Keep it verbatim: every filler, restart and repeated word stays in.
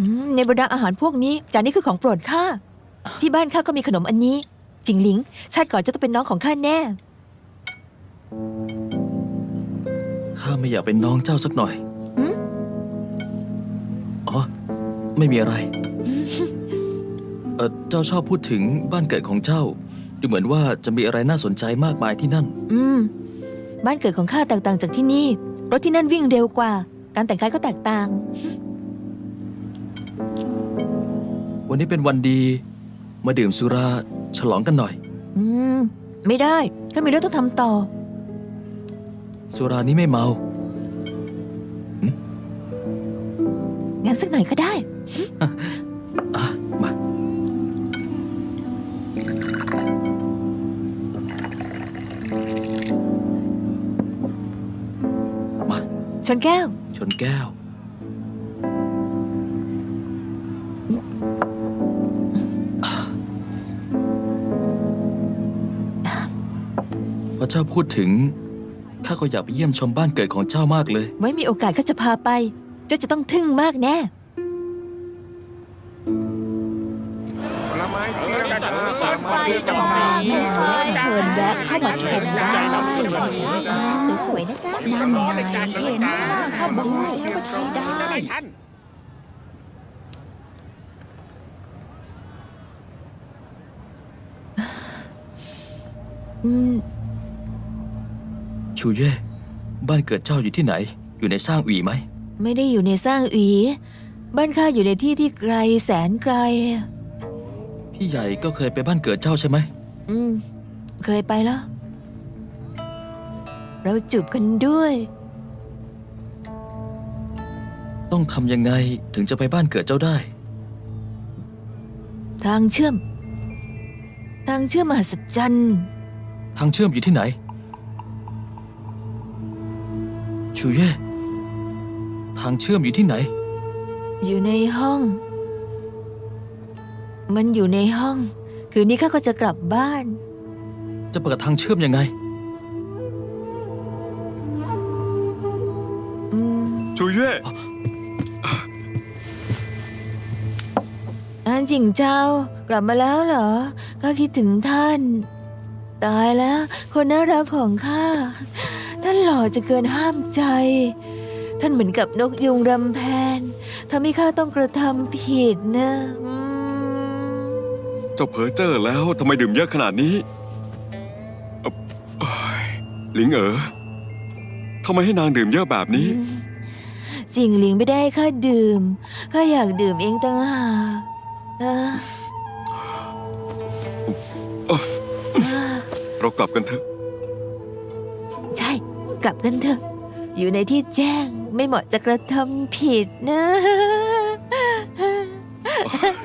ในบรรดาอาหารพวกนี้จานนี้คือของโปรดข้าที่บ้านข้าก็มีขนมอันนี้จิงหลิงชาติก่อนจะต้องเป็นน้องของข้าแน่ข้าไม่อยากเป็นน้องเจ้าสักหน่อยหืมอ๋อไม่มีอะไรเออเจ้าชอบพูดถึงบ้านเกิดของเจ้าดูเหมือนว่าจะมีอะไรน่าสนใจมากมายที่นั่นอืมบ้านเกิดของข้าแตกต่างจากที่นี่รถที่นั่นวิ่งเร็วกว่าการแต่งกายก็แตกต่างวันนี้เป็นวันดีมาดื่มสุราฉลองกันหน่อยอืมไม่ได้ข้ามีเรื่องต้องทำต่อสุรานี้ไม่เมางั้นสักหน่อยก็ได้อ่ะมามาชนแก้วชนแก้วพอเจ้าพูดถึงข้าก็อยากไปเยี่ยมชมบ้านเกิดของเจ้ามากเลยไว้มีโอกาสข้าจะพาไปเจ้าจะต้องทึ่งมากแน่ผลไม้เที่ยงจ้าผลไม้ที่จะมาเชิญแวะเข้ามาชมได้สวยๆนะจ๊ะนั่นไงเห็นข้าบอกแล้วว่าใช้ได้อืมชูเย่บ้านเกิดเจ้าอยู่ที่ไหนอยู่ในซ่างอีไหมไม่ได้อยู่ในซ่างอีบ้านข้าอยู่ในที่ที่ไกลแสนไกลพี่ใหญ่ก็เคยไปบ้านเกิดเจ้าใช่ไหมอืมเคยไปแล้วเราจูบกันด้วยต้องทำยังไงถึงจะไปบ้านเกิดเจ้าได้ทางเชื่อมทางเชื่อมมหัศจรรย์ทางเชื่อมอยู่ที่ไหนชูเย่ทางเชื่อมอยู่ที่ไหนอยู่ในห้องมันอยู่ในห้องคืนนี้ข้าก็จะกลับบ้านจะเปิดทางเชื่อมยังไงชูเย่อันจิงเจ้ากลับมาแล้วเหรอข้าคิดถึงท่านตายแล้วคนน่ารักของข้าท่านหล่อจะเกินห้ามใจท่านเหมือนกับนกยุงรำแพนทำให้ข้าต้องกระทำผิดนะเจ้าเพ้อเจ้อแล้วทำไมดื่มเยอะขนาดนี้หลิงเอ๋อทำไมให้นางดื่มเยอะแบบนี้จิงหลิงไม่ได้ข้าดื่มข้าอยากดื่มเองต่างหากเรากลับกันเถอะใช่กลับกันเถอะอยู่ในที่แจ้งไม่เหมาะจะกระทำผิดนะ